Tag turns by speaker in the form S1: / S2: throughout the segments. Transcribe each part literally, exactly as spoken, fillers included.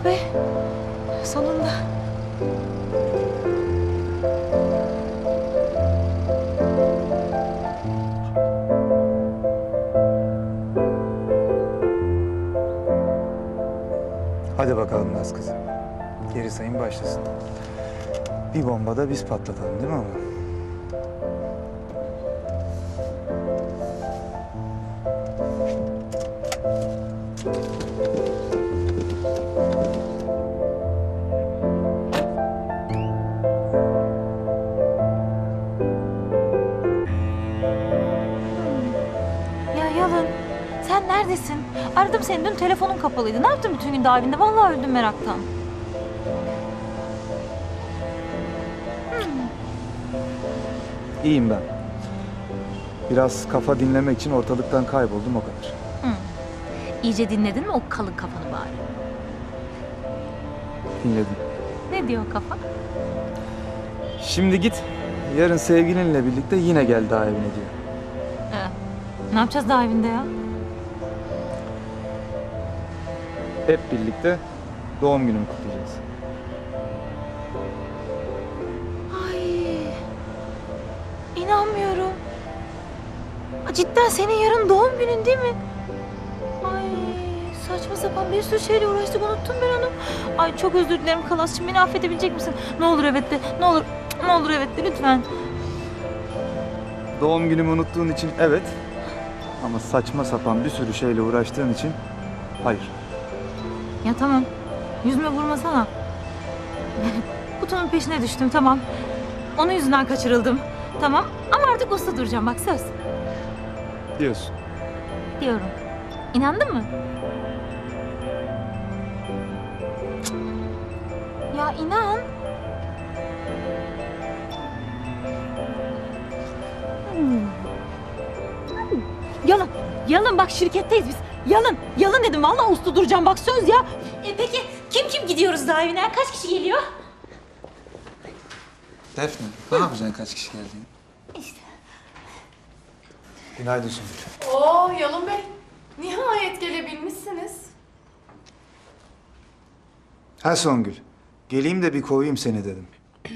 S1: be. Sonunda.
S2: Hadi bakalım Naz kızı. Geri sayım başlasın. Bir bomba da biz patlatalım değil mi ama?
S1: Ya Yalın, sen neredesin? Aradım seni, dün telefonun kapalıydı. Ne yaptın bütün gün davinde? Vallahi öldüm meraktan.
S2: İyiyim ben. Biraz kafa dinlemek için ortalıktan kayboldum o kadar.
S1: İyice dinledin mi o kalın kafanı bari?
S2: Dinledim.
S1: Ne diyor kafa?
S2: Şimdi git. Yarın sevgilinle birlikte yine gel daha evine diyor.
S1: Ee, ne yapacağız davinde ya?
S2: Hep birlikte doğum günümü kutlayacağız.
S1: Ay, inanmıyorum. Aa, cidden senin yarın doğum günün değil mi? Ay, saçma sapan bir sürü şeyle uğraştık, unuttum ben onu. Ay çok özür dilerim Kalas'cığım, beni affedebilecek misin? Ne olur evet de, ne olur, ne olur evet de lütfen.
S2: Doğum günümü unuttuğun için evet. Ama saçma sapan bir sürü şeyle uğraştığın için hayır.
S1: Ya tamam, yüzüme vurmasana. Kutunun peşine düştüm, tamam. Onun yüzünden kaçırıldım, tamam. Ama artık uslu duracağım, bak söz.
S2: Diyorsun.
S1: Diyorum. İnandın mı? Ya inan. Yalın, Yalın bak şirketteyiz biz. Yalın, Yalın dedim. Vallahi uslu duracağım bak söz ya. E peki kim kim gidiyoruz daha evine? Kaç kişi geliyor?
S2: Defne, ne yapacaksın kaç kişi geldiğini?
S1: İşte.
S2: Günaydın Songül.
S3: Oo Yalın Bey, nihayet gelebilmişsiniz.
S2: Ha Songül, geleyim de bir kovayım seni dedim.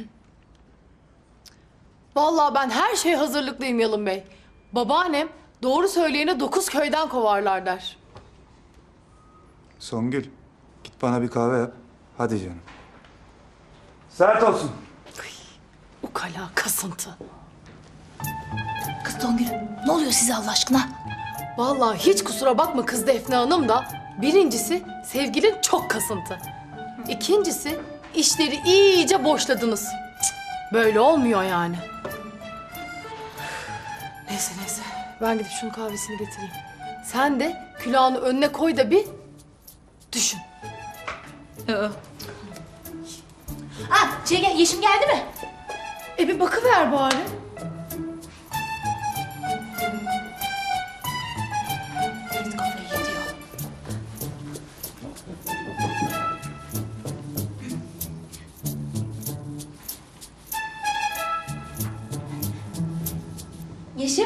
S3: Vallahi ben her şeye hazırlıklıyım Yalın Bey. Babaannem doğru söyleyene dokuz köyden kovarlar der.
S2: Songül, git bana bir kahve yap. Hadi canım. Sert olsun.
S3: Ukala kasıntı.
S1: Kız Songül, ne oluyor size Allah aşkına?
S3: Vallahi hiç kusura bakma kız Defne Hanım da birincisi sevgilin çok kasıntı. İkincisi işleri iyice boşladınız. Cık, böyle olmuyor yani. Neyse neyse ben gidip şunun kahvesini getireyim. Sen de külahını önüne koy da bir düşün.
S1: Ah, şey gel, Yeşim geldi mi?
S3: E bir bakıver bari.
S1: Evet, kafayı yediyor. Yeşim.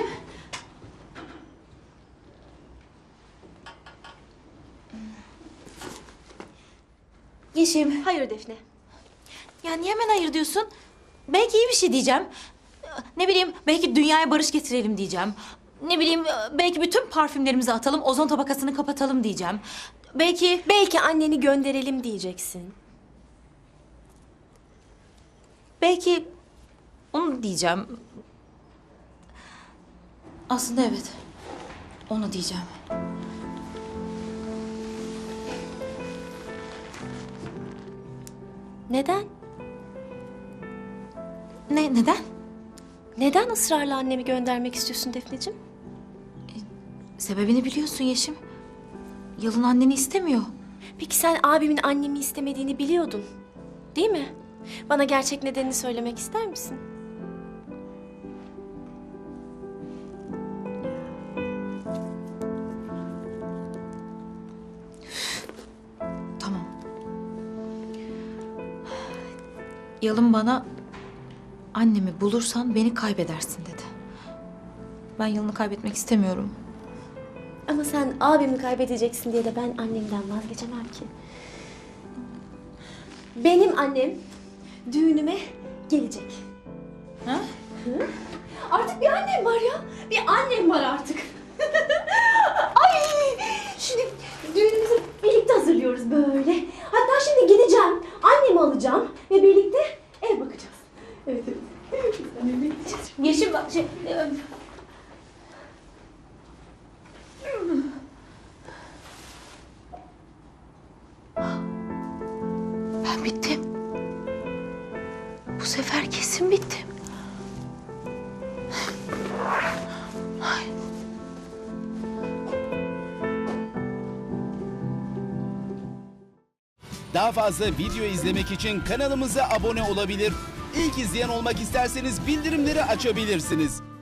S1: Yeşim.
S4: Hayır Defne.
S1: Ya niye hemen hayır diyorsun? Belki iyi bir şey diyeceğim. Ne bileyim, belki dünyaya barış getirelim diyeceğim. Ne bileyim, belki bütün parfümlerimizi atalım, ozon tabakasını kapatalım diyeceğim. Belki...
S4: Belki anneni gönderelim diyeceksin.
S1: Belki onu diyeceğim. Aslında evet. Onu diyeceğim.
S4: Neden?
S1: Ne, neden?
S4: Neden ısrarla annemi göndermek istiyorsun Defneciğim?
S1: Sebebini biliyorsun Yeşim. Yalın anneni istemiyor.
S4: Peki sen abimin annemi istemediğini biliyordun. Değil mi? Bana gerçek nedenini söylemek ister misin?
S1: Tamam. Yalın bana annemi bulursan beni kaybedersin dedi. Ben Yalın'ı kaybetmek istemiyorum.
S4: Ama sen abimi kaybedeceksin diye de ben annemden vazgeçemem ki. benim annem düğünüme gelecek.
S1: Ha?
S4: Hı? Artık bir annem var ya. Bir annem var artık. Ay! Şimdi düğünümüzü birlikte hazırlıyoruz böyle. Hatta şimdi gideceğim. Annemi alacağım ve birlikte ev bakacağız. Evet evet. Biz annemle gideceğiz.
S1: Yeşim bak şey... e, Ben bittim. Bu sefer kesin bittim. Ay.
S5: Daha fazla video izlemek için kanalımıza abone olabilir. İlk izleyen olmak isterseniz bildirimleri açabilirsiniz.